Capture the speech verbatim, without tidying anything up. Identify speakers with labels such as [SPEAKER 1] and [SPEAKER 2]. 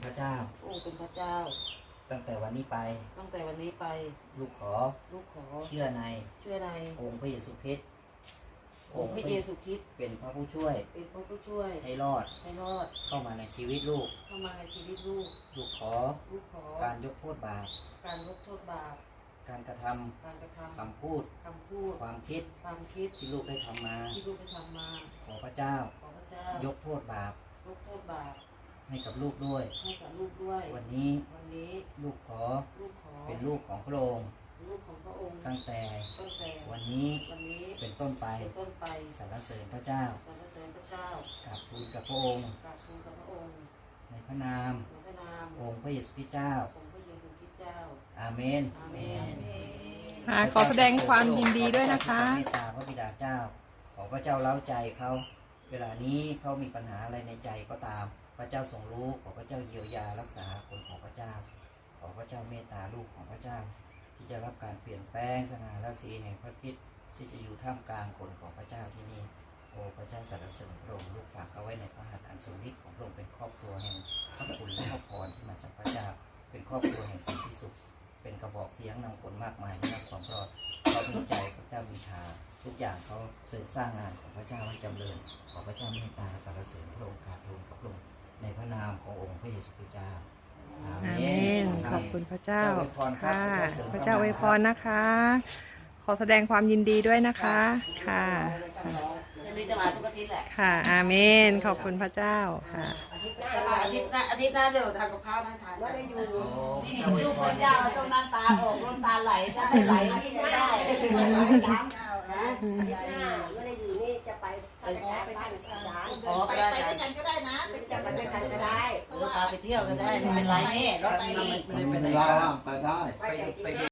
[SPEAKER 1] พระเจ้า
[SPEAKER 2] พระองค์เป็นพระเจ้า
[SPEAKER 1] ตั้งแต่วันนี้ไป
[SPEAKER 2] ตั้งแต่วันนี้ไป
[SPEAKER 1] ลูกขอ
[SPEAKER 2] ลูกขอ
[SPEAKER 1] เชื่อใน
[SPEAKER 2] เชื่อใน
[SPEAKER 1] องค์พระเยซูคริสต์
[SPEAKER 2] องค์พระเยซูคริสต์
[SPEAKER 1] เป็นพระผู้ช่วย
[SPEAKER 2] เป็นพระผู้ช่วย
[SPEAKER 1] ให้รอด
[SPEAKER 2] ให้รอด
[SPEAKER 1] เข้ามาในชีวิตลูก
[SPEAKER 2] เข้ามาในชีวิตลูก
[SPEAKER 1] ลูกขอ
[SPEAKER 2] ลูกขอ
[SPEAKER 1] การยกโทษบาป
[SPEAKER 2] การลดโทษบาป
[SPEAKER 1] การกระทำ
[SPEAKER 2] การกระทำ
[SPEAKER 1] คำพูด
[SPEAKER 2] คำพูด
[SPEAKER 1] ความคิด
[SPEAKER 2] ความคิด
[SPEAKER 1] ที่ลูกได้ทำมา
[SPEAKER 2] ที่ลูกได้ทำมา
[SPEAKER 1] ขอพระเจ้า
[SPEAKER 2] ขอพระเจ้าย
[SPEAKER 1] กโทษบาป
[SPEAKER 2] ยกโทษบาป
[SPEAKER 1] ให้กับลูกด้วย
[SPEAKER 2] ให้กับลูกด้วย
[SPEAKER 1] วันนี้
[SPEAKER 2] วันนี้
[SPEAKER 1] ลูกขอ
[SPEAKER 2] ลูกขอ
[SPEAKER 1] เป็นลูกของพระองค์
[SPEAKER 2] ลูกของพระองค์
[SPEAKER 1] ตั้งแต่
[SPEAKER 2] ตั้งแต่
[SPEAKER 1] วันนี้
[SPEAKER 2] วันนี้
[SPEAKER 1] เป็นต้นไป
[SPEAKER 2] เป็นต้นไป
[SPEAKER 1] สรรเสริญพระเจ้า
[SPEAKER 2] สรรเสริญพระเจ้าก
[SPEAKER 1] ราบทูลกับพระองค์
[SPEAKER 2] กราบทูลกับพระองค์
[SPEAKER 1] ในพระนาม
[SPEAKER 2] ในพระนาม
[SPEAKER 1] องค์พระเยซูคริสต์เจ้า
[SPEAKER 2] องค์พระเยซูคริสต์เจ้า
[SPEAKER 1] อาเมน
[SPEAKER 2] อาเมน
[SPEAKER 3] ขอแสดงความยินดีด้วยนะคะ
[SPEAKER 1] เมตตาพระบิดาเจ้าขอพระเจ้าเล้าใจเขาเวลานี้เขามีปัญหาอะไรในใจก็ตามพระเจ้าทรงรู้ขอพระเจ้าเยียวยารักษาคนของพระเจ้าขอพระเจ้าเมตตาลูกของพระเจ้าที่จะรับการเปลี่ยนแปลงสง่าราศีแห่งพระคริสต์ที่จะอยู่ท่ามกลางคนของพระเจ้าที่นี่โอ้พระเจ้าสรรเสริญพระองค์ลูกฝากเอาไว้ในพระหัตถ์อันทรงฤทธิ์ของพระองค์เป็นครอบครัวแห่งพระคุณและพระพรที่มาจากพระเจ้าเป็นครอบครัวแห่งสันติสุขเป็นกระบอกเสียงนำคนมากมายที่รับความรอดเขามีใจพระเจ้ามีทาทุกอย่างเขาเสริมสร้างงานของพระเจ้าให้จำเริญขอพระเจ้าเมตตาสรรเสริญพระองค์กราบทูลกับพระองค์ในพระนามขององค์พระเยซูคริสต์เจ้า
[SPEAKER 3] อาเมนขอบคุณพระเจ้าค่ะพระเจ้าอวยพรนะคะ ขอแสดงความยินดีด้วยนะคะค่ะ
[SPEAKER 2] นี่จะมาทุกอาทิตย์แหละ
[SPEAKER 3] ค่ะอาเมนขอบคุณพระเจ้าค่ะ
[SPEAKER 2] อาทิตย์หน้าอาทิตย์หน้าอาทิตย์หน้าเดี๋ยวทำกับข้าวมาทานว่าได้อยู่ลูกพระเจ้าต้องน้ำตาออกน้ำตาไหลได้ไหลที่ได้ไหลย้ำนะไม่ได้อยู่นี่จะไปไปไปทานร้านไปไปด้วยกันก็ได้นะไปเที่ยวกันด้วยกันก็ได้เออพาไปเที่ยวก็ได้ไม่เป็นไรนี่รถมี
[SPEAKER 4] ไม่เป็นไรไปได้